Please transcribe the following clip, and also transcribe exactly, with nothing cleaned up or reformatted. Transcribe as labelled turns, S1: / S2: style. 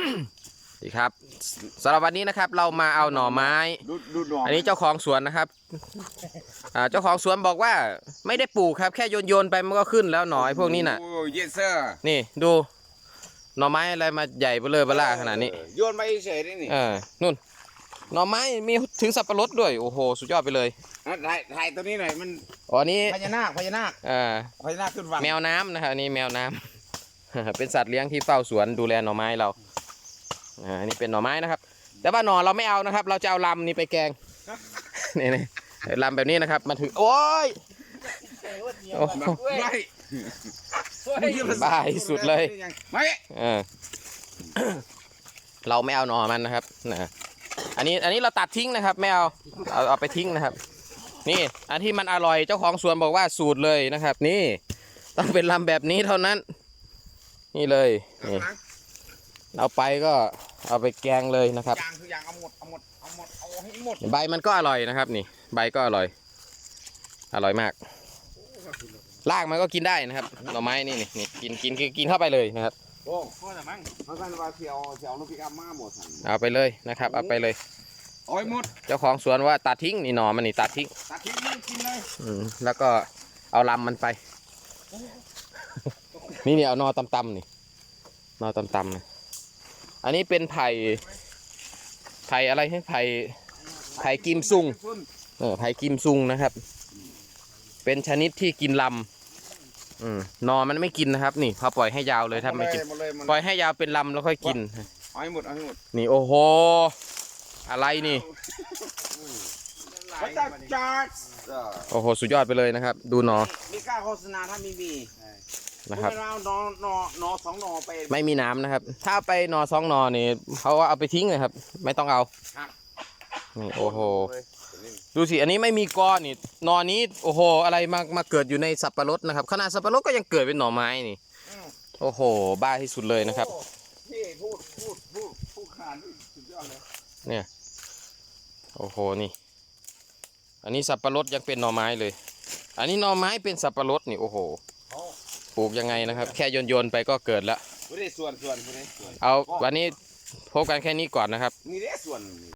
S1: ดีครับสำหรับวันนี้นะครับเรามาเอาหน่อไม้อันนี้เจ้าของสวนนะครับเจ้าของสวนบอกว่าไม่ได้ปลูกครับแค่โยนโยนไปมันก็ขึ้นแล้วหน่อไอ้พวกนี้น่ะนี่ดูหน่อไม้อะไรมาใหญ่เบ้อเลยเบ้อล่าขนาดนี้
S2: โยนไปเฉยๆนี่
S1: เออนู่นหน่อไม้มีถึงสับปะรดด้วยโอ้โหสุดยอดไปเลย
S2: ถ่ายถ่ายตัวนี้หน่อยมัน
S1: อ๋อนี้
S2: พญานาคพญานาค
S1: อ่า
S2: พญานาคขึ้นฝั่ง
S1: แมวน้ำนะครับอันนี้แมวน้ำ เป็นสัตว์เลี้ยงที่เฝ้าสวนดูแลหน่อไม้เราอ่านี่เป็นหน่อไม้นะครับแต่ว่าหน่อเราไม่เอานะครับเราจะเอาลำนี่ไปแกงนี่นี่ลำแบบนี้นะครับมาถึงโอ้ยโอ้บ้าที่สุดเลยเออเราไม่เอาหน่อมันนะครับนะอันนี้อันนี้เราตัดทิ้งนะครับไม่เอาเอาเอาไปทิ้งนะครับนี่อันที่มันอร่อยเจ้าของสวนบอกว่าสูตรเลยนะครับนี่ต้องเป็นลำแบบนี้เท่านั้นนี่เลยนี่เอาไปก็เอาไปแกงเลยนะครับ
S2: อย่างคืออย่างเอาหมดเอาหมดเอาหมดเอาให้หมด
S1: ใบมันก็อร่อยนะครับนี่ใบก็อร่อยอร่อยมากรากมันก็กินได้นะครับหน่อไม้นี่นี่นี่กินกินคือกินเข้าไปเลยนะครับ
S2: โอ้พ่อแต่มั้งเขาสั่งว่าเสียวเสียวลูกพิกามาหมด
S1: เอาไปเลยนะครับเอาไปเลย
S2: เอาหมด
S1: เจ้าของสวนว่าตัดทิ้งนี่หน่อมันนี่ตัดทิ้ง
S2: ตัดทิ้งไม่กินเลย
S1: อืมแล้วก็เอาลำมันไปนี่นี่เอานอตำๆนี่นอตำๆนะอันนี้เป็นไผ่ไผ่อะไรให้ไผ่ไผ่กิมซุงเออไผ่กิมซุงนะครับเป็นชนิดที่กินลำอืมนอมันไม่กินนะครับนี่พอปล่อยให้ยาวเลยถ้าไม่กินปล่อยให้ยาวเป็นลำแล้วค่อยกิน
S2: เอาให้หมดเอาให้หมด
S1: นี่โอ้โหอะไรนี่โอ้โหสุดยอดไปเลยนะครับดูนอ
S2: มีกล้าโฆษณาถ้ามีมี
S1: นะครับ
S2: นอนนอนอสองนอไป
S1: ไม่มีน้ำนะครับถ้าไปนอสองนอนี่เขาว่าเอาไปทิ้งเลยครับไม่ต้องเอานี่โอ้โหดูสิอันนี้ไม่มีกอนี่นอนี้โอ้โหอะไรมามาเกิดอยู่ในสับปะรดนะครับขนาดสับปะรดก็ยังเกิดเป็นหน่อไม้นี่โอ้โหบ้าที่สุดเลยนะครับ
S2: พี่พูดพูดพูดพูดขนาดนี้สุดยอดเลย
S1: เนี่ยโอ้โหนี่อันนี้สับปะรดยังเป็นหน่อไม้เลยอันนี้หน่อไม้เป็นสับปะรดนี่โอ้โหปลูกยังไงนะครับแค่โยนโยนไปก็เกิดแล้ว
S2: ส่วนส่วน
S1: เอาวันนี้พบกันแค่นี้ก่อนนะครับ
S2: นี่ได้ส่วน